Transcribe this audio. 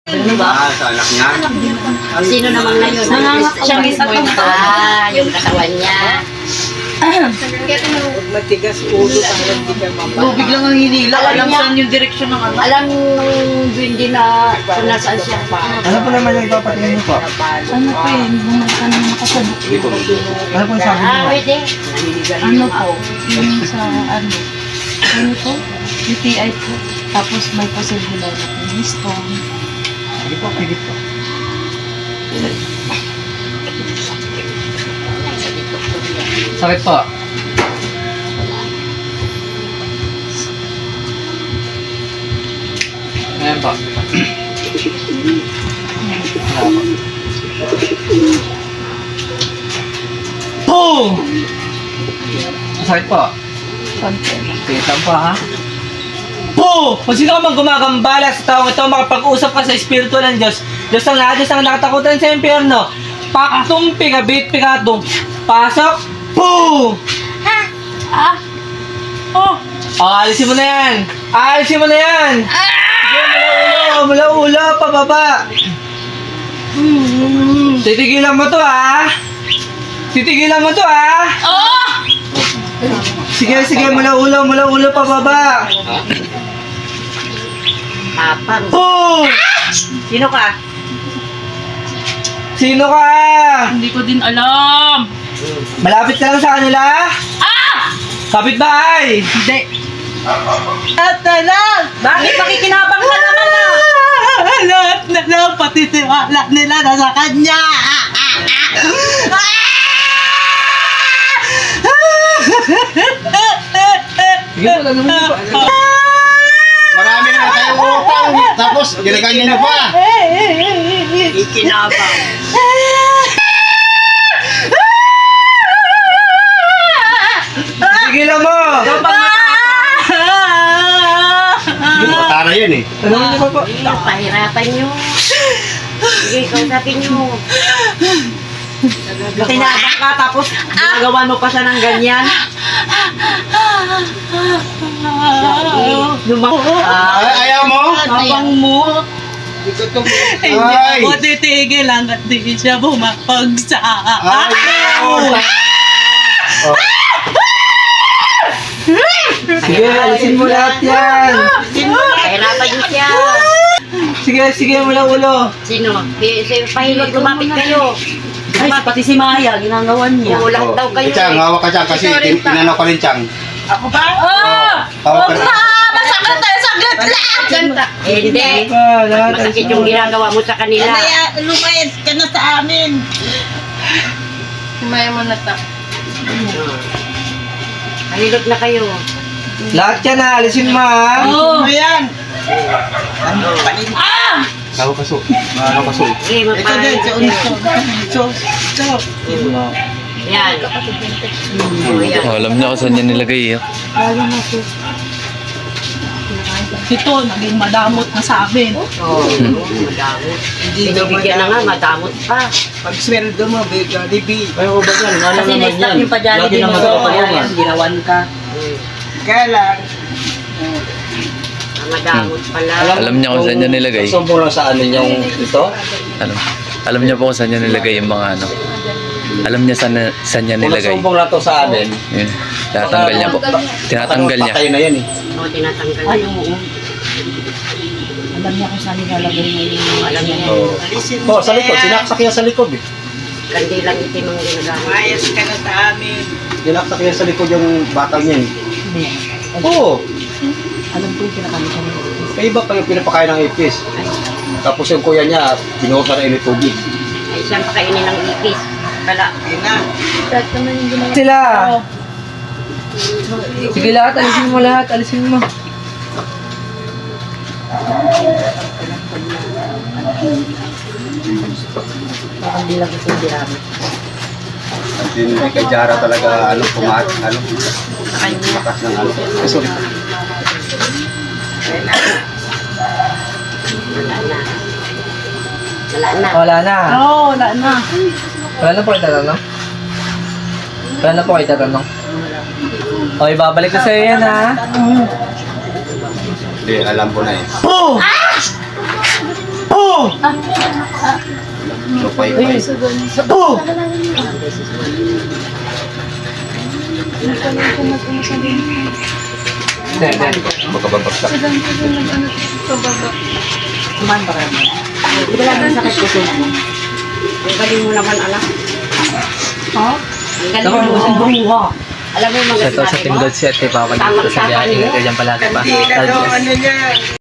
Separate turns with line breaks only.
Sa anak niya.
Sino naman na yun? Siya mismo yung yung katawan niya.
Matigas ulo para hindi ka mapapagod.
Lubig lang ang hinila.
Alam
Alam
niya.
saan yung direksyon ng ano.
Alam nung hindi na kung nasaan siya.
Ano po naman yung ipapatingin mo po?
Ano po yun? Bumalik na nakasabi.
Ano po yung sabi mo?
Pwede.
Ano po? Yung sa ano? Ano po? UTI po. Tapos may possible na yung stone.
Sige po, pigit po. Sakit po. Ayan po. Boom! Sakit po.
Konti.
Sakit lang po ha. Po! Kung sino ka man gumagambala sa taong ito, makapag-usap ka sa Espiritu ng Diyos. Diyos ang lahat, Diyos ang nakatakutan sa impyerno. Paktong pingabit, pingatong. Pasok! Po!
Oh!
Alisin mo na yan! Alisin mo na yan! Sige, mula ulo, pababa. Titigilan mo to ha! Titigilan mo to ha!
Oh!
Sige, mula ulo, pababa.
Tapang.
Po!
Sino ka?
Sino ka?
Hindi ko din alam.
Malapit ka lang sa kanila? Kapitbahay!
Hindi.
At na lang!
Bakit makikinabang ka naman na?
Lahat na lang, pati tiwala nila nasa kanya! Sige po, gagawin po.
Marami na tayong utang. Tapos, ginaganyan niyo pa.
Ikinabang.
Tigilan mo!
Tara yun eh.
Gagawin niyo pa po.
Pahirapan niyo. Sige, kausapin niyo. Tinabang ka tapos ginagawa mo pa siya ng ganyan.
Ay, ayaw mo?
Abang mo. Hindi
Ay.
ako titigil hanggat di siya bumapagsa.
Ayaw. Oh.
Sige, alisin mo lahat yan.
Pahirapan niyo siya.
Sige, mula ulo.
Sino? Pahilot, lumapit kayo.
Ay, pati si Maya, ginagawan niya.
Ulang daw kayo.
Chang, hawak ka Chang kasi tinanaw ka rin Chang.
Ako ba?
Hawak ka rin.
Masakit tayo, saglit lang!
Hindi.
Lahat.
Masakit yung ginagawa mo sa kanila.
Lumayas ka na sa amin. Lumaya mo na ta.
Pahilot na kayo.
Lahat yan ha, alisin mo ha.
Oh! Ayan!
Hawak ka so. Hawak ka so.
Sige, magpahilot. Yan.
Oh, alam niya kung saan niya nilagay eh.
Ito, naging madamot na sa amin.
Oo, madamot. Binibigyan na nga, madamot pa.
Pag sweldo mo, Jollibee.
Ay, ba yan? Alam
Kasi na-stop yung pa-Jollibee
Lagi
mo.
naman
Kaya
ginawan ka.
Kaya lang,
madamot pala.
Alam niya kung saan niya nilagay.
Sumbong lang sa ano yung ito?
Alam niya po kung saan niya nilagay yung mga ano. Alam niya saan niya
Kung
nilagay.
nasumbong lang to sa amin,
Yun. Tinatanggal niya po. Tinatanggal niya.
patay na yan eh.
Oo, tinatanggal
Ay,
niya.
oo. Alam niya kung saan nilalagay niya yung...
Alam niya.
Oo. Oh, sa likod, sinaksak yan sa likod eh.
Kandilang itim ang ginagamit.
mayas ka na sa amin.
Sinaksak yan sa likod yung batang yan eh.
Hindi.
Oo.
Alam ko yung pinakamit niya.
May iba pa yung pinapakain ng ipis. Tapos yung kuya niya, binuhusan na init tubig.
Ay, siyang pakainin ng ipis. Kala.
Sila! Sige lahat, alisin mo lahat, alisin mo.
Kandilang itim ginamit.
Hindi kay Jara talaga pumat, makas ng ano. Sorry.
Wala na.
Wala na.
Oo, wala na.
Wala na po kayo tatanong? Wala na po kayo tatanong? Okay, babalik na sa'yo yan ha.
Hindi, alam ko na eh.
Boom! Boom!
Lupay-pay.
Oh!
Magkababagsak.
Kuman ba kayo? Hindi ka lang sakit puso mo. Ang galing mo naman, anak.
Ha?
Ang galing mo naman. Alam mo yung mga
Ito sa
sinabi
Team
mo?
God si Ate Papa dito sa biyahe. Ingat kayo dyan palagi pa.
Hindi na daw ano niya.